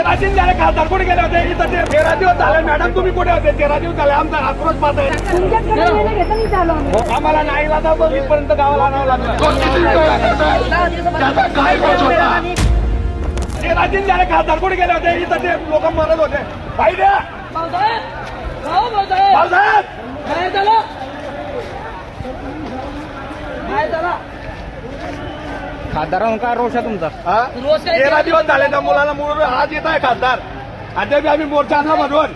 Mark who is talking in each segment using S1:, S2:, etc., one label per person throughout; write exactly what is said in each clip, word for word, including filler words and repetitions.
S1: राजीन झाले खासदार कुठे गेले होते? इथं ते तेरा दिवस झाले मॅडम, तुम्ही कुठे होते? तेरा दिवस झाले आमचा आक्रोश पाहत आहे. आम्हाला नाही लादा इथपर्यंत गावाला आणावं लागलं. ते राजीन झाले खासदार कुठे गेले होते? इथं ते लोक मरत होते. भाई द्या
S2: खासदारांना काय रोष आहे तुमचा?
S1: तेरा दिवस झाले त्या मुलाला मुलं आज येत आहे खासदार. अद्याप आम्ही मोर्चा आणला म्हणून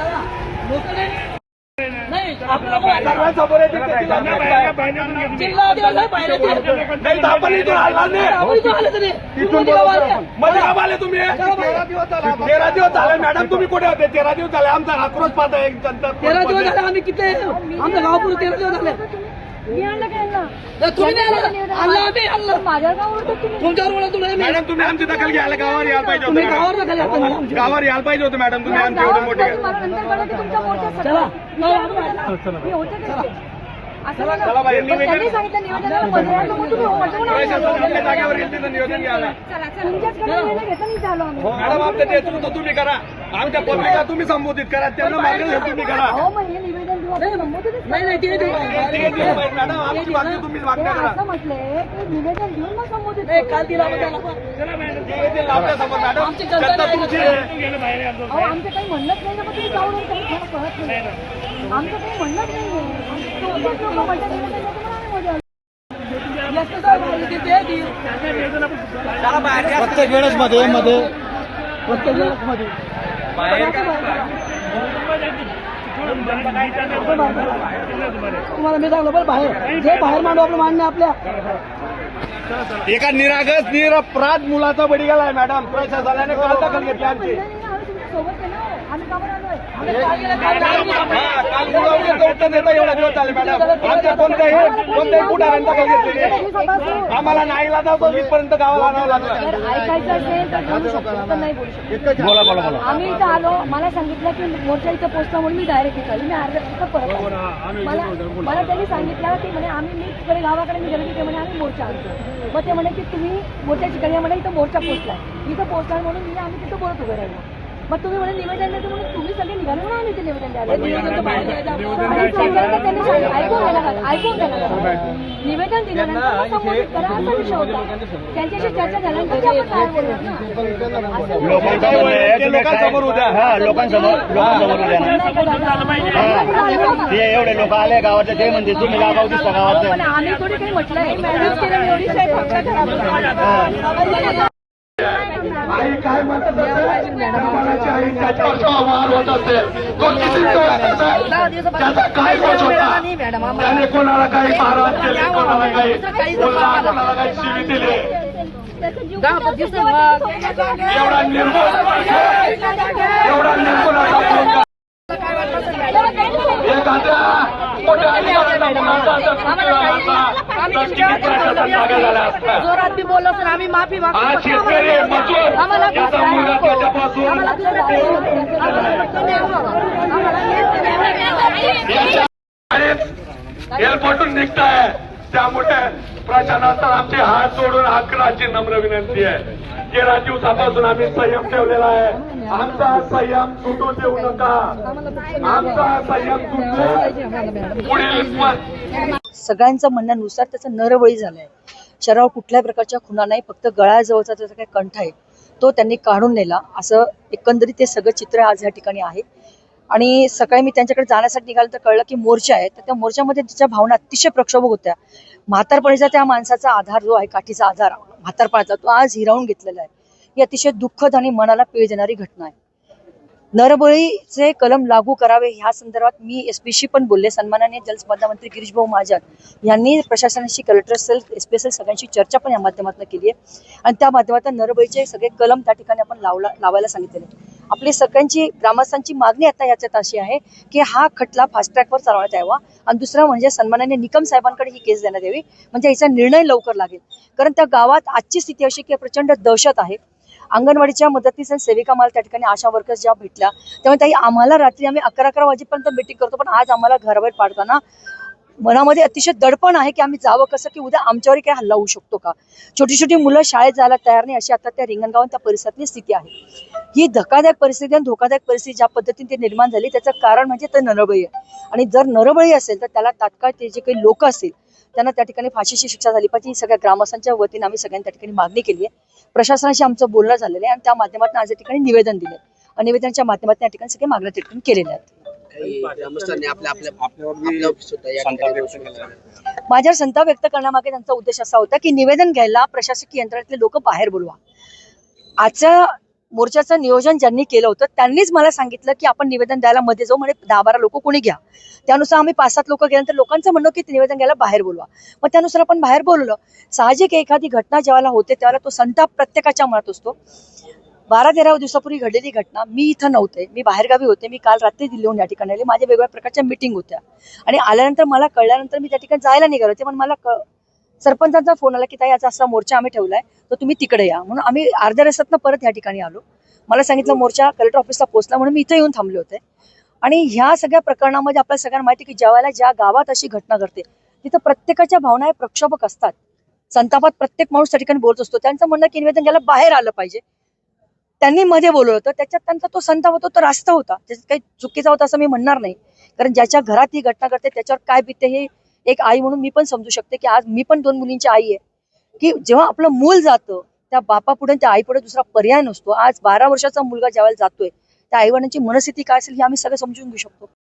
S1: नाही आपण इथून आला नाही. मध्ये का आले तुम्ही? तेरा दिवस झाले मॅडम, तुम्ही कुठे होते? तेरा दिवस झाले आमचा आक्रोश पाहत आहे. जनता
S3: तेरा दिवस झाले आम्ही किती आमच्या गावापूर तेरा दिवस झाले.
S4: मी आणलं काय ना
S3: तुम्ही नाही आणलं. आणलं आम्ही आणलं.
S4: माझ्या गावावर
S3: तुमच्यावर बोला तुम्ही.
S1: मॅडम तुम्ही आमची दखल घ्यायला गावावर यायला पाहिजे
S3: तुम्ही
S1: होतं.
S3: गावावर नका जाता मॅडम.
S1: गावावर यायला पाहिजे होतं मॅडम, तुम्ही आमचे एवढे मोठे.
S4: मला नंतर कळलं की तुमचा मोर्चा
S3: चला.
S4: मी होते तिथे. असं बघा.
S1: चला बाई, निवेदन-
S4: त्यांनी सांगितलं निवेदनाला मध्ये यायचं, मग तुम्ही हो म्हटलं म्हणून आम्ही आलो.
S1: प्रशासन आपल्या जागेवर येईल तिथं नियोजन घ्यायला.
S4: तुमच्याचकडे निर्णय घेता नाही झालो आम्ही.
S1: हो मॅडम, आमचं नेतृत्व तुम्ही करा. आमच्या पब्लिकला तुम्ही संबोधित करा. त्यांना मागेल हे तुम्ही करा.
S4: अहो मग हे निवेदन देऊ आपण संबोधितच
S3: नाही नाही ते देऊ.
S1: ते दिलं पाहिजे मॅडम, आमची मागणी तुम्ही
S4: ते
S1: मागण्या करा.
S4: असं म्हटलंय की निवेदन देऊन मग संबोधित
S3: नाही,
S4: करू.
S3: काल दिला होता त्याला.
S1: ते दिलं आपल्यासमोर मॅडम.
S3: आमची जनता
S1: जनता
S3: नाही
S1: तुमची आहे.
S4: अहो आमचं काही म्हणणंच नाही ना, मग तुम्ही जाऊन येऊन काही मला कळत नाही. आमचं काही म्हणणंच नाहीये. तुमचेच लोकं म्हणतात निवेदन देतो म्हणून आम्ही मध्ये आलो.
S3: जास्त साहेब आले की ते देईल.
S2: प्रत्येक वेळेस मध्ये मध्ये
S3: प्रत्येक वेळेस मध्ये. तुम्हाला मी सांगलं पण बाहेर जे बाहेर मांडू आपलं मान्य आपल्या.
S1: एका निरागस निरपराध मुलाचा बळी गेलाय मॅडम. प्रशासनाने काल दखल घेतली आमची.
S4: सोबत आहे ना, आम्ही कामावर आलोय.
S1: हा, काल मुलं उत्तर देता एवढा दिवस झाले मॅडम. आमच्या कोणत्याही कोणत्याही पुढाऱ्यांनी दखल घेतली नाही. आम्हाला नाही लादा इथपर्यंत गावाला आणावं लागलं.
S4: जर ऐकायचं असेल तर बोलू शकतो, तर नाही बोलू शकतो.
S2: बोला बोला बोला.
S4: आम्ही इथं आलो, मला सांगितलं की मोर्चा इथं पोहोचला म्हणून मी डायरेक्ट इथं आली. मी अर्ध्या तिथं परत आले. मला मला त्यांनी सांगितलं की म्हणे आम्ही मी तिकडे गावाकडे निघाले की ते म्हणे आम्ही मोर्चा आणतो. मग ते म्हणे की तुम्ही मोर्चाची ठिकाणी म्हणे इथं मोर्चा पोहोचलाय. इथं पोहोचला म्हणून मी आम्ही तिथं बोलत उभे राहिलो. मग तुम्ही म्हणे निवेदन देतो म्हणून तुम्ही सगळे निघाले म्हणून आम्ही ते निवेदन द्यायला. आणि सांगायला त्यांनी सांगितलं, ऐकून घ्या ना, ऐकून घ्या ना. निवेदन दिल्यानंतर मग संबोधित करा असा विषय होता. त्यांच्याशी चर्चा झाल्यानंतर ते आपण बाहेर बोलणार ना. असं
S1: लोकांसमोर उद्या
S2: हा लोकांसमोर लोकांसमोर उद्या ना. ते एवढे लोक आले गावाचे ते म्हणजे तुम्ही गाव दिसता गावात.
S4: पण आम्ही थोडी काही म्हटलंय. मॅनेज केलं एवढी साहेब फक्त खराब.
S1: आई काय म्हणत असेल, मनाची आई त्याच्यावर संवाद होत असेल, तो किती त्याचा काय दोष होता? त्याने कोणाला काही मारहाण केली, कोणाला काही बोलला, कोणाला काही शिवी दिली. एवढा निर्मळ एवढा निर्मळ एखाद्या मोठ्या अधिकाऱ्याला मुलाचा जर कुठे झाला असता तर किती प्रशासन मागे झाला असता.
S4: जोरात बी बोललो तर आम्ही माफी मागतो.
S1: आज शेतकरी मजूर याचा मुलगा त्याच्यापासून एलपटून निघताय. त्यामुळे प्रशासनाचा आमचे हात जोडून आग्रहाची नम्र विनंती आहे. तेरा दिवसापासून आम्ही संयम ठेवलेला आहे. आमचा संयम सुटू देऊ नका. आमचा संयम सुटू पुढील
S5: सगळ्यांचं म्हणण्यानुसार त्याचा नरबळी झालाय. शरीरावर कुठल्याही प्रकारच्या खुणा नाही, फक्त गळ्याजवळचा त्याचा काही कंठ आहे तो त्यांनी काढून नेला. असं एकंदरीत ते सगळं चित्र आज या ठिकाणी आहे. आणि सकाळी मी त्यांच्याकडे जाण्यासाठी निघालं तर कळलं की मोर्चा आहे. तर त्या मोर्चामध्ये तिच्या भावना अतिशय प्रक्षोभक होत्या. म्हातारपणीचा त्या माणसाचा आधार जो आहे, काठीचा आधार म्हातारपणाचा, तो आज हिरावून घेतलेला आहे. ही अतिशय दुःखद आणि मनाला पीळ देणारी घटना आहे. नरबळीचे कलम लागू करावे ह्या संदर्भात मी एसपीशी पण बोलले. सन्माननीय जलसंपदा मंत्री गिरीश भाऊ महाजन यांनी प्रशासनाशी, कलेक्टर सेल, एसपी सेल सगळ्यांशी चर्चा पण या माध्यमातून केली आहे. आणि त्या माध्यमातून नरबळीचे सगळे कलम त्या ठिकाणी आपण लावला लावायला सांगितलेले. आपली सगळ्यांची ग्रामस्थांची मागणी आता याच्यात अशी आहे की हा खटला फास्ट ट्रॅकवर चालवण्यात यावा. आणि दुसरं म्हणजे सन्माननीय निकम साहेबांकडे ही केस देण्यात यावी, म्हणजे याचा निर्णय लवकर लागेल. कारण त्या गावात आजची स्थिती अशी की प्रचंड दहशत आहे. अंगणवाडीच्या मदतीस आणि सेविका मला त्या ठिकाणी आशा वर्कर्स ज्या भेटल्या त्यामुळे ताई आम्हाला रात्री आम्ही अकरा अकरा वाजेपर्यंत मीटिंग करतो, पण आज आम्हाला घराबाहेर पाडताना मनामध्ये अतिशय दडपण आहे की आम्ही जावं कसं, की उद्या आमच्यावरही काही हल्ला होऊ शकतो का. छोटी छोटी मुलं शाळेत जायला तयार नाही, अशी आता त्या रिंगणगाव आणि त्या परिसरातली स्थिती आहे. ही धक्कादायक परिस्थिती आणि धोकादायक परिस्थिती ज्या पद्धतीने ती निर्माण झाली त्याचं कारण म्हणजे ते नरबळी आहे. आणि जर नरबळी असेल तर त्याला तात्काळ ते जे काही लोक असतील त्यांना त्या ठिकाणी फाशीची शिक्षा झाली पाहिजे. ही सगळ्या ग्रामस्थांच्या वतीने आम्ही सगळ्यांनी त्या ठिकाणी मागणी केली आहे. प्रशासनाशी आमचं बोलणं झालेलं आहे आणि त्या माध्यमातून आज या ठिकाणी निवेदन दिले आणि निवेदनाच्या माध्यमातून या ठिकाणी सगळे मागण्या त्या ठिकाणी केलेल्या आहेत. माझ्यावर संताप व्यक्त करण्यामागे त्यांचा उद्देश असा होता की निवेदन घ्यायला प्रशासकीय यंत्रणेतले लोक बाहेर बोलवा. आजच्या मोर्चाचं नियोजन ज्यांनी केलं होतं त्यांनीच मला सांगितलं की आपण निवेदन द्यायला मध्ये जाऊ, म्हणजे दहा बारा लोक कोणी घ्या. त्यानुसार आम्ही पाच सात लोक गेल्यानंतर लोकांचं म्हणणं की निवेदन घ्यायला बाहेर बोलवा. मग त्यानुसार आपण बाहेर बोलवलं. साहजिक एखादी घटना जेव्हा होते त्यावेळेला तो संताप प्रत्येकाच्या मनात असतो. बारा तेरा दिवसापूर्वी घडलेली घटना, मी इथं नव्हते, मी बाहेरगावी होते. मी काल रात्री दिल्लीहून या ठिकाणी आले. माझ्या वेगवेगळ्या प्रकारच्या मीटिंग होत्या आणि आल्यानंतर मला कळल्यानंतर मी त्या ठिकाणी जायला निघाले होते. पण मला क सरपंचांचा फोन आला की ताई याचा असा मोर्चा आम्ही ठेवलाय तर तुम्ही तिकडे या. म्हणून आम्ही अर्ध्या रस्त्यातनं परत या ठिकाणी आलो. मला सांगितलं मोर्चा कलेक्टर ऑफिसला पोहोचला म्हणून मी इथं येऊन थांबले होते. आणि ह्या सगळ्या प्रकरणामध्ये आपल्याला सगळ्यांना माहिती की ज्या वेळेला ज्या गावात अशी घटना घडते तिथं प्रत्येकाच्या भावना हे प्रक्षोभक असतात. संतापात प्रत्येक माणूस त्या ठिकाणी बोलत असतो. त्यांचं म्हणणं की निवेदन घ्यायला बाहेर आलं पाहिजे. त्यांनी मध्ये बोलवलं होतं, त्याच्यात त्यांचा तो संताप होता तो रास्त होता, त्याच्यात काही चुकीचा होता असं मी म्हणणार नाही. कारण ज्याच्या घरात ही घटना घडते त्याच्यावर काय बिते हे एक आई म्हणून मी पण समजू शकते की आज मी पण दोन मुलींची आई आहे. की जेव्हा आपलं मूल जातं त्या बापापुढे त्या आईपुढे दुसरा पर्याय नसतो. आज बारा वर्षाचा मुलगा ज्यावेळेला जातोय त्या आईवडिलांची मनस्थिती काय असेल हे आम्ही सगळं समजून घेऊ शकतो.